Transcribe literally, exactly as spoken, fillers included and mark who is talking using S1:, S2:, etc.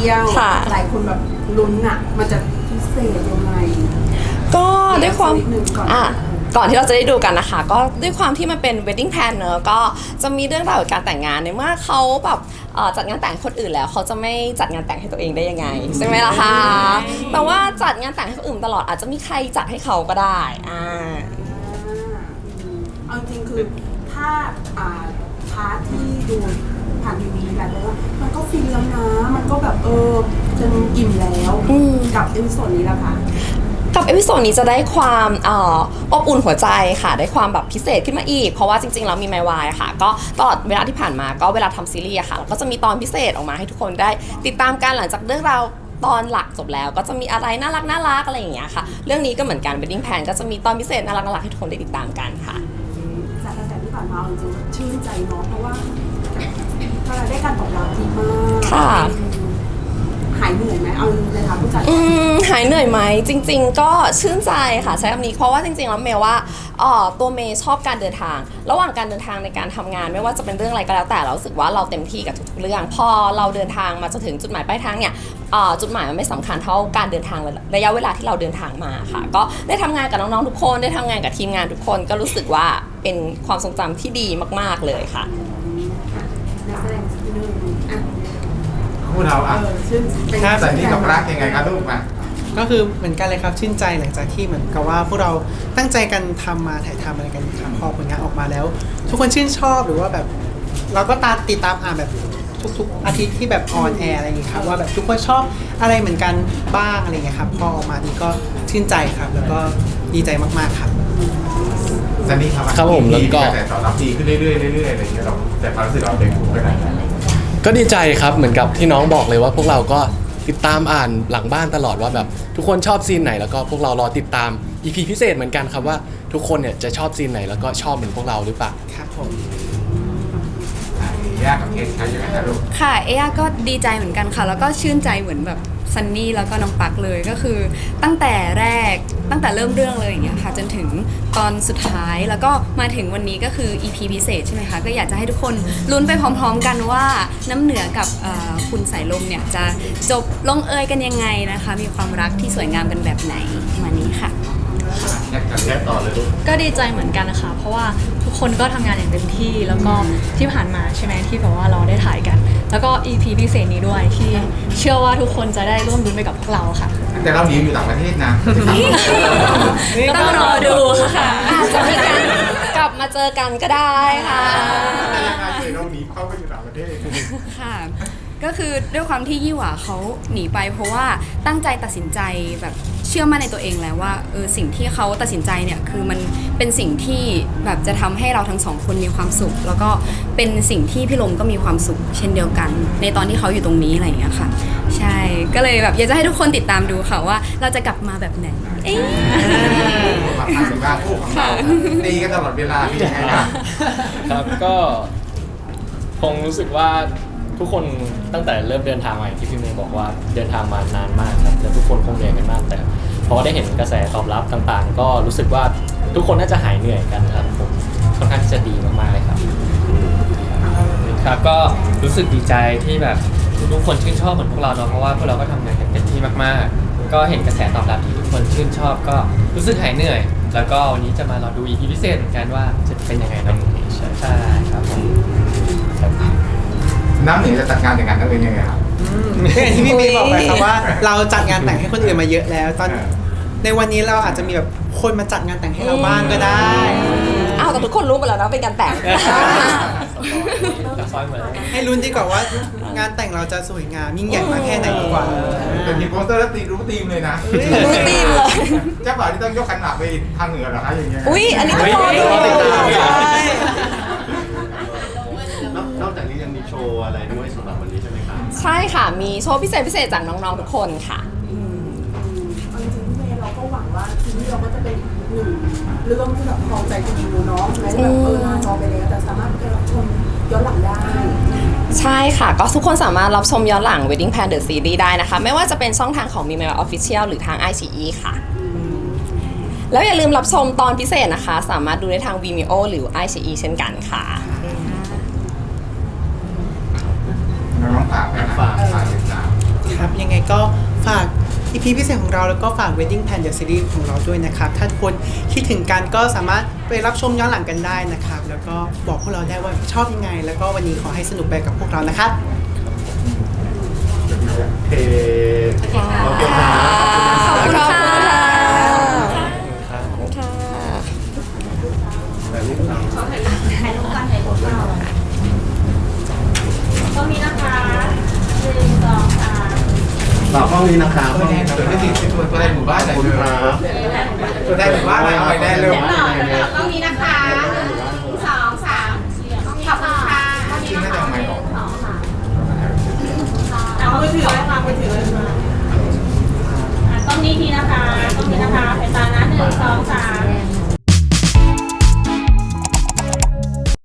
S1: ยวหลายคนแบบลุ้นอ่ะมันจะพิเศษยังไง
S2: ก็ด้วยความอ่ะ
S1: ก่
S2: ก่อนที่เราจะได้ดูกันนะคะ ก็ด้วยความที่มันเป็น wedding plan เนอะก็จะมีเรื่องราวการแต่งงานในเมื่อเขาแบบจัดงานแต่งคนอื่นแล้วเขาจะไม่จัดงานแต่งให้ตัวเองได้ยังไงใช่ไหมล่ะคะแต่ว่าจัดงานแต่งให้คนอื่นตลอดอาจจะมีใครจัดให้เขาก็ได้อ่า
S1: เอาจริงคือถ้าอ่าพาร์ทที่ดูผ่านทีวีกันเลยว่ามันก็ฟินแล้วนะมันก็แบบเออจนอิ่มแล้วกับเอพิโซดนี้แล้วค่ะ
S2: กับเอพิโซดนี้จะได้ความอบอุ่นหัวใจค่ะได้ความแบบพิเศษขึ้นมาอีกเพราะว่าจริงๆแล้วมีไมวายค่ะก็ตลอดเวลาที่ผ่านมาก็เวลาทำซีรีส์ค่ะเราก็จะมีตอนพิเศษออกมาให้ทุกคนได้ติดตามกันหลังจากเรื่องราวตอนหลักจบแล้วก็จะมีอะไรน่ารักน่ารักอะไรอย่างเงี้ยค่ะเรื่องนี้ก็เหมือนกัน wedding plan ก็จะมีตอนพิเศษน่ารักน่ารักให้ทุกคนได้ติดตามกันค่ะ
S1: จากกระแสที่ผ่านมาจริงๆชื่นใจเนาะเพราะว่าก็ได้การตอบรับดีมาก
S2: ค่ะ
S1: หายเหนื่อยไหมเอาในทางผู้จัด
S2: อืมหายเหนื่อยไหมจริงๆก็ชื่นใจค่ะใช้คำนี้เพราะว่าจริงๆแล้วเมย์ว่าอ๋อตัวเมย์ชอบการเดินทางระหว่างการเดินทางในการทำงานไม่ว่าจะเป็นเรื่องอะไรก็แล้วแต่เรารู้สึกว่าเราเต็มที่กับทุกๆเรื่องพอเราเดินทางมาจนถึงจุดหมายปลายทางเนี่ยจุดหมายมันไม่สำคัญเท่าการเดินทางระยะเวลาที่เราเดินทางมาค่ะก็ได้ทำงานกับน้องๆทุกคนได้ทำงานกับทีมงานทุกคนก็รู้สึกว่าเป็นความทรงจำที่ดีมากๆเลยค่ะ
S1: นักแสดงที่หนึ่งอ่ะ
S3: พวกเราอ่ะใส่นี่กับรักยังไงครับลูกมา
S4: ก็คือเหมือนกันเลยครับชื่นใจหลังจากที่เหมือนกับว่าพวกเราตั้งใจกันทำมาถ่ายทำอะไรกันครับพอผลงานออกมาแล้วทุกคนชื่นชอบหรือว่าแบบเราก็ตามติดตามอ่านแบบทุกๆอาทิตย์ที่แบบออนแอร์อะไรอย่างเงี้ยครับว่าแบบทุกคนชอบอะไรเหมือนกันบ้างอะไรเงี้ยครับพอออกมานี่ก็ชื่นใจครับแล้วก็ดีใจมากๆครับ
S3: ซันนี่ครับ
S5: ครับผมแล้วก็
S3: แต่ต่อรับดีขึ้นเรื่อยๆเรื่อยๆอะไรอย่างเงี้ยเราแต่ความรู้สึกเราเด็กไปไหน
S5: ก็ดีใจครับเหมือนกับที่น้องบอกเลยว่าพวกเราก็ติดตามอ่านหลังบ้านตลอดว่าแบบทุกคนชอบซีนไหนแล้วก็พวกเรารอติดตาม อี พี พิเศษเหมือนกันครับว่าทุกคนเนี่ยจะชอบซีนไหนแล้วก็ชอบเหมือนพวกเราหรือเปล่า
S4: ครับผม
S3: ยากกับเคสใครยังไงครับลูก
S6: ค่ะเอย่าก็ดีใจเหมือนกันค่ะแล้วก็ชื่นใจเหมือนแบบซันนี่แล้วก็น้องปักเลยก็คือตั้งแต่แรกตั้งแต่เริ่มเรื่องเลยอย่างเงี้ยค่ะจนถึงตอนสุดท้ายแล้วก็มาถึงวันนี้ก็คือ อี พี พิเศษใช่ไหมคะก็อยากจะให้ทุกคนลุ้นไปพร้อมๆกันว่าน้ำเหนือกับคุณสายลมเนี่ยจะจบลงเอยกันยังไงนะคะมีความรักที่สวยงามกันแบบไหนมานี้ค่ะ
S3: แยกกันแยกต่อเลยลูก
S7: ก็ดีใจเหมือนกันนะคะเพราะว่าทุกคนก็ทำงานอย่างเต็มที่แล้วก็ที่ผ่านมาใช่ไหมที่แบบว่าเราได้ถ่ายกันแล้วก็ อี พี พิเศษนี้ด้วยที่เชื่อว่าทุกคนจะได้ร่วมรุ้นไปกับพวกเราค่ะ
S3: แต่เราหนีอยู่ต่างประเทศนะ
S6: ก็ต้องรอดูค่ะ
S2: อาจจะมีการกลับมาเจอกันก็ได้ค่ะ
S3: แต่ยังไงเราหนีเข้าไปอยู่ต่างประเทศ
S6: ค่ะก็คือด้วยความที่ยี่หว่าเขาหนีไปเพราะว่าตั้งใจตัดสินใจแบบเชื่อมั่นในตัวเองแล้วว่าเออสิ่งที่เขาตัดสินใจเนี่ยคือมันเป็นสิ่งที่แบบจะทำให้เราทั้งสองคนมีความสุขแล้วก็เป็นสิ่งที่พี่ลมก็มีความสุขเช่นเดียวกันในตอนที่เขาอยู่ตรงนี้อะไรอย่างเงี้ยค่ะใช่ก็เลยแบบอยากจะให้ทุกคนติดตามดูค่ะว่าเราจะกลับมาแบบไหนเอ๊ะ
S3: มาผ่านถึงบ้านคู่ของเราตีกันตลอดเวลาพี่ยังไงครับ
S5: ครับก็คงรู้สึกว่าทุกคนตั้งแต่เริ่มเดินทางมาอย่างที่พี่เมย์บอกว่าเดินทางมานานมากครับและทุกคนคงเหนื่อยกันมากแต่พอได้เห็นกระแสตอบรับต่างๆก็รู้สึกว่าทุกคนน่าจะหายเหนื่อยกันครับผมค่อนข้างที่จะดีมากๆเลยครับ
S8: ครับก็รู้สึกดีใจที่แบบทุกคนชื่นชอบเหมือนพวกเราเนาะเพราะว่าพวกเราก็ทำงานกันเต็มที่มากๆก็เห็นกระแสตอบรับที่ทุกคนชื่นชอบก็รู้สึกหายเหนื่อยแล้วก็วันนี้จะมารอดู อี พี พิเศษเหมือนกันว่าจะเป็นยังไงเนาะใช่ครับผม
S3: น้ำเหนือจะจัดงานแต่งงานกันเป็นยังไงครับ
S4: อย่างที่พี่เมย์บอกไปครับว่าเราจัดงานแต่งให้คนอื่นมาเยอะแล้วตอนในวันนี้เราอาจจะมีแบบคนมาจัดงานแต่งให้เราบ้างก็ได้
S2: อ้าวแต่ทุกคนรู้หมดแล้วนะเป็นการแต่ง
S4: ให้ลุ้นดีกว่าว่างานแต่งเราจะสวยงามยิ่งใหญ่มากแค่ไหนดีกว่า
S3: เป็นทีมโปสเตอร์แล้วตีรู้ทีมเลยนะ
S2: รู้ทีมเลย
S3: เจ้าบ่าวที่ต้องยกขันหมากไปทางเหนือเหรอคะอย่างเงี้ย
S2: อุ้ยอันนี้ก็รอดู
S9: นอกจากนี้ยังมีโชว์อะไรด้วยสำหรับวันนี้ใช่ไหมครับ
S2: ใช่ค่ะมีโชว์พิเศษพิเศษจากน้องๆทุกคนค่ะ
S1: จริงๆพี่เมย์เราก็หวังว่าทีนี้เราก็จะเป็นหนึ่งเรื่องที่แบบครองใจคนดูเนาะแม้จะแบบเออนานรอไปแล้วแต่สามารถไปรับชมย้อนหลังได้
S2: ใช่ค่ะก็ทุกคนสามารถรับชมย้อนหลัง Wedding Plan The Series ได้นะคะไม่ว่าจะเป็นช่องทางของ Mimeo Official หรือทาง ไอ ซี อี ค่ะแล้วอย่าลืมรับชมตอนพิเศษนะคะสามารถดูได้ทาง Vimeo หรือ ไอ ซี อี เช่นกันค่ะ
S3: น้องฝากนะฝากฝากติดตาม
S4: ครับ ยังไงก็ฝาก อี พี พิเศษของเราแล้วก็ฝาก Wedding Plan The Series ของเราด้วยนะครับ ถ้าทุกคนคิดถึงกันก็สามารถไปรับชมย้อนหลังกันได้นะครับ แล้วก็บอกพวกเราได้ว่าชอบยังไง แล้วก็วันนี้ขอให้สนุกไปกับพวกเรานะครับ
S9: โอเคโอเคครับ
S2: ขอบคุณค่ะ
S5: ครับ
S2: ขอบคุณค่ะ
S9: แบบนี้ครับ
S1: ถ่ายรูปกันถ่ายรูปเราต้องมีนะคะหนึ่งสองสาม
S9: ฝากห้องนี้นะครับ
S3: ตัวแทนตัวแทนตัวแทนหมู่บ้านไหน
S9: ขอบคุณ
S3: เลย
S9: ครับ
S3: ตัวแทนหมู่บ้านไหนเอาไปได้เลย
S1: เดี๋ยวหน่อย